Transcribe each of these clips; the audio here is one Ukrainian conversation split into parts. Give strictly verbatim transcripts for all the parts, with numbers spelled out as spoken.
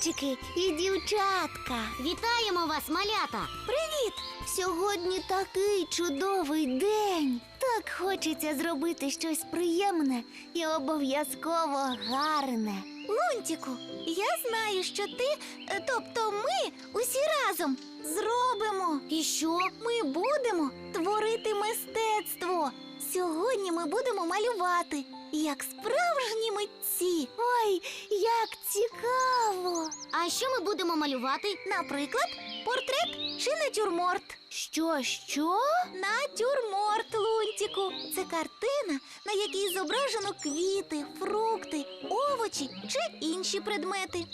хлопчики і дівчатка! Вітаємо вас, малята! Привіт! Сьогодні такий чудовий день! Так хочеться зробити щось приємне і обов'язково гарне. Лунтіку, я знаю, що ти, тобто ми, усі разом зробимо. І що? Ми будемо творити мистецтво. Сьогодні ми будемо малювати, як справжні митці. Ой, як цікаво! А що ми будемо малювати? Наприклад, портрет чи натюрморт. Що, що? Натюрморт, Лунтіку. Це картина, на якій зображено квіти, фрукти, овочі чи інші предмети.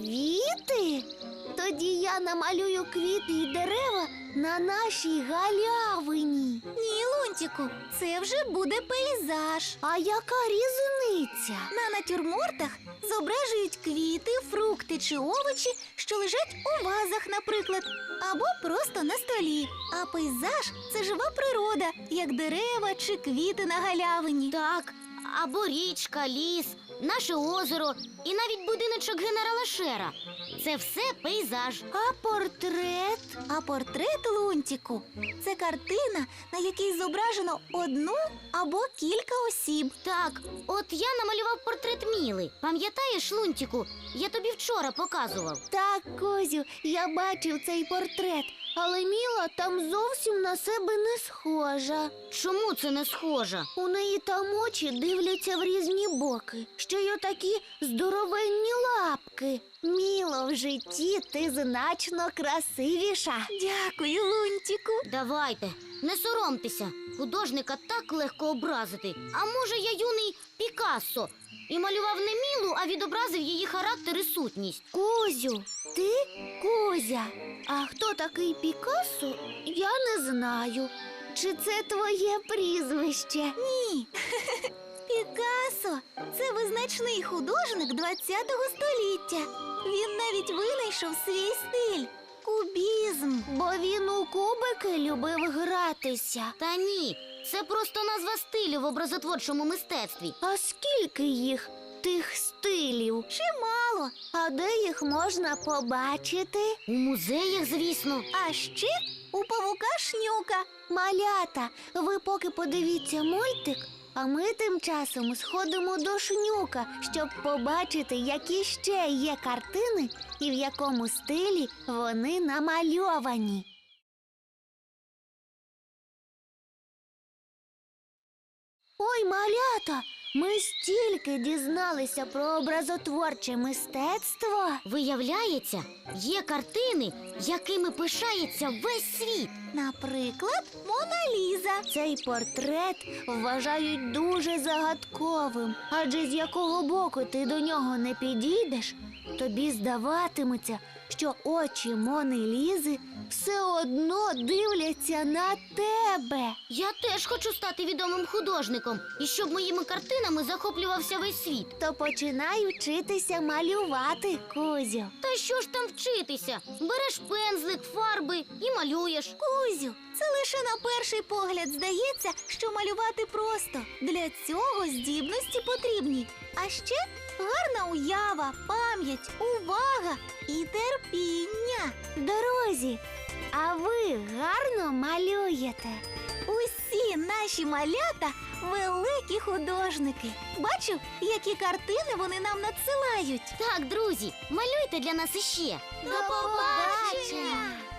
Квіти? Тоді я намалюю квіти і дерева на нашій галявині. Ні, Лунтіку, це вже буде пейзаж. А яка різниця? На натюрмортах зображують квіти, фрукти чи овочі, що лежать у вазах, наприклад, або просто на столі. А пейзаж – це жива природа, як дерева чи квіти на галявині. Так, або річка, ліс, наше озеро і навіть будиночок генерала Шера. Це все пейзаж. А портрет? А портрет, Лунтіку, це картина, на якій зображено одну або кілька осіб. Так, от я намалював портрет Міли. Пам'ятаєш, Лунтіку? Я тобі вчора показував. Так, Козю, я бачив цей портрет, але Міла там зовсім на себе не схожа. Чому це не схоже? У неї там очі дивляться в різні боки, ще й отакі здоровенні лапки. Міло, в житті ти значно красивіша. Дякую, Лунтіку. Давайте, не соромтеся. Художника так легко образити. А може, я юний Пікассо і малював не Мілу, а відобразив її характер і сутність. Козю, ти Козя. А хто такий Пікассо, я не знаю. Чи це твоє прізвище? Ні. Пікассо – це визначний художник ХХ століття. Він навіть винайшов свій стиль – кубізм. Бо він у кубики любив гратися. Та ні, це просто назва стилю в образотворчому мистецтві. А скільки їх, тих стилів? Чимало. А де їх можна побачити? У музеях, звісно. А ще у павука Шнюка. Малята, ви поки подивіться мультик, а ми тим часом сходимо до Шнюка, щоб побачити, які ще є картини і в якому стилі вони намальовані. Ой, малята, ми стільки дізналися про образотворче мистецтво. Виявляється, є картини, якими пишається весь світ. Наприклад, Мона Ліза. Цей портрет вважають дуже загадковим, адже з якого боку ти до нього не підійдеш, тобі здаватиметься, що очі Мони Лізи все одно дивляться на тебе. Я теж хочу стати відомим художником, і щоб моїми картинами захоплювався весь світ. То починай вчитися малювати, Кузю. Та що ж там вчитися? Береш пензлик, фарби і малюєш. Кузю, це лише на перший погляд здається, що малювати просто. Для цього здібності потрібні. А ще гарна уява, пам'ять, увага і терпіння. Друзі, а ви гарно малюєте? Усі наші малята великі художники. Бачив, які картини вони нам надсилають. Так, друзі, малюйте для нас іще. До побачення!